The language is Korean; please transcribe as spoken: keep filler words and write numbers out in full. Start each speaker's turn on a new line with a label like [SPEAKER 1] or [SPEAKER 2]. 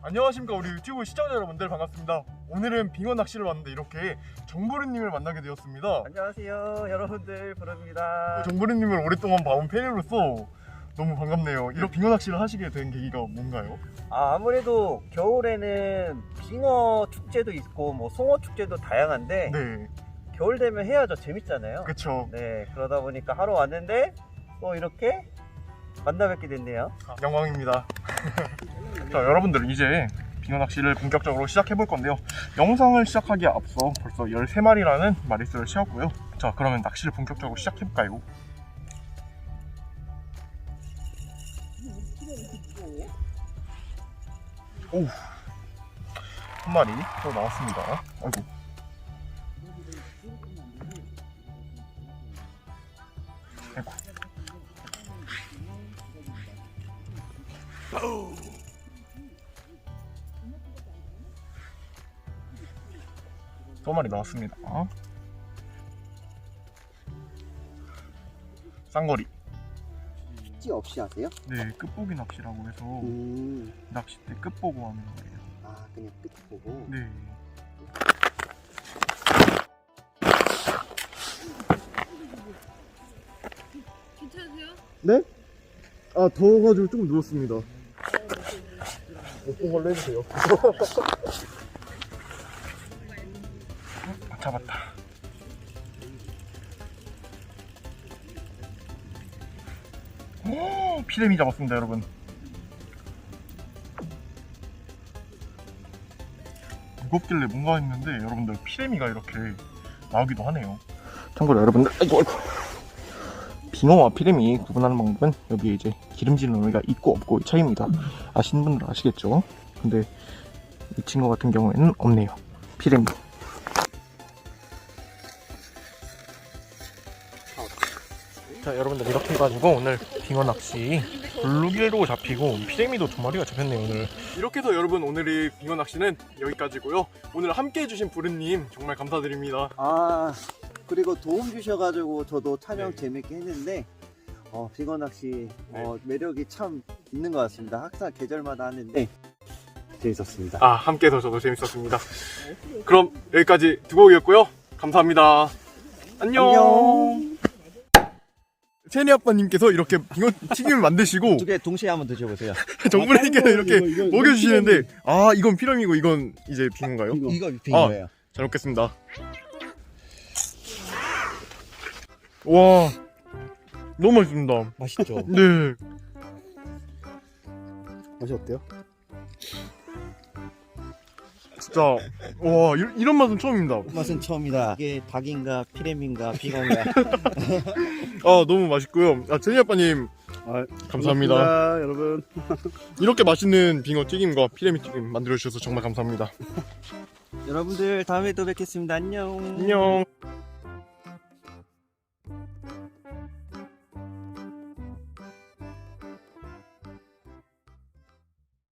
[SPEAKER 1] 안녕하십니까 우리 유튜브 시청자 여러분들, 반갑습니다. 오늘은 빙어 낚시를 왔는데 이렇게 정보르님을 만나게 되었습니다.
[SPEAKER 2] 안녕하세요 여러분들, 부릅니다.
[SPEAKER 1] 정보르님을 오랫동안 봐온 팬으로서 너무 반갑네요. 이렇게 빙어 낚시를 하시게 된 계기가 뭔가요?
[SPEAKER 2] 아, 아무래도 겨울에는 빙어 축제도 있고 뭐 송어 축제도 다양한데
[SPEAKER 1] 네,
[SPEAKER 2] 겨울 되면 해야죠. 재밌잖아요.
[SPEAKER 1] 그쵸.
[SPEAKER 2] 네, 그러다 보니까 하러 왔는데 또 이렇게 만나 뵙게 됐네요.
[SPEAKER 1] 아, 영광입니다. 자, 여러분들 이제 빙어 낚시를 본격적으로 시작해 볼 건데요. 영상을 시작하기에 앞서 벌써 열세 마리라는 마리수를 채웠고요. 자, 그러면 낚시를 본격적으로 시작해 볼까요? 오, 한 마리 또 나왔습니다. 아이고. 아이고. 또 한 마리 나왔습니다. 쌍거리.
[SPEAKER 3] 찌 없이 하세요?
[SPEAKER 1] 네, 끝보기 낚시라고 해서
[SPEAKER 3] 음.
[SPEAKER 1] 낚싯대 끝 보고 하는 거예요.
[SPEAKER 3] 아, 그냥 끝 보고.
[SPEAKER 1] 네.
[SPEAKER 4] 괜찮으세요?
[SPEAKER 1] 네? 아, 더워가지고 조금 누웠습니다. 어떤 걸로 해주세요. 아, 잡았다. 오, 피레미 잡았습니다, 여러분. 무겁길래 뭔가 했는데 여러분들 피레미가 이렇게 나오기도 하네요. 참고로 여러분들, 아이고 아이고. 빙어와 피레미 구분하는 방법은 여기에 이제 기름지는 의미가 있고 없고의 차이입니다. 아시는 분들 아시겠죠? 근데 이 친구 같은 경우에는 없네요. 피레미. 자, 여러분들 이렇게 해가지고 오늘 빙어 낚시 블루길도 잡히고 피레미도 두 마리가 잡혔네요 오늘. 이렇게 해서 여러분, 오늘의 빙어 낚시는 여기까지고요. 오늘 함께 해주신 부르님 정말 감사드립니다.
[SPEAKER 3] 아, 그리고 도움 주셔가지고 저도 촬영
[SPEAKER 1] 네.
[SPEAKER 3] 재밌게 했는데 어, 빙어 낚시
[SPEAKER 1] 네.
[SPEAKER 3] 어, 매력이 참 있는 것 같습니다. 항상 계절마다 하는데 재밌었습니다.
[SPEAKER 1] 아, 함께 해서 저도 재밌었습니다. 그럼 여기까지 두 곡이었고요. 감사합니다. 안녕.
[SPEAKER 3] 안녕.
[SPEAKER 1] 세니 아빠님께서 이렇게 빙어 튀김을 만드시고
[SPEAKER 3] 두 개 동시에 한번 드셔보세요.
[SPEAKER 1] 정부님께서 이렇게
[SPEAKER 3] 이거, 이거, 이거
[SPEAKER 1] 먹여주시는데, 아, 이건 피레미고 이건 이제 빙어인가요?
[SPEAKER 3] 빙어. 이거 빙어예요.
[SPEAKER 1] 잘 먹겠습니다. 와, 너무 맛있습니다.
[SPEAKER 3] 맛있죠?
[SPEAKER 1] 네.
[SPEAKER 3] 맛이 어때요?
[SPEAKER 1] 진짜, 와, 이- 이런 맛은 처음입니다.
[SPEAKER 3] 맛은 처음이다. 이게 닭인가 피레미인가 빙어인가.
[SPEAKER 1] 아, 너무 맛있고요. 아, 세니 아빠님
[SPEAKER 5] 아,
[SPEAKER 1] 감사합니다.
[SPEAKER 5] 고맙습니다, 여러분.
[SPEAKER 1] 이렇게 맛있는 빙어 튀김과 피레미 튀김 만들어주셔서 정말 감사합니다.
[SPEAKER 3] 여러분들 다음에 또 뵙겠습니다. 안녕.
[SPEAKER 1] 안녕.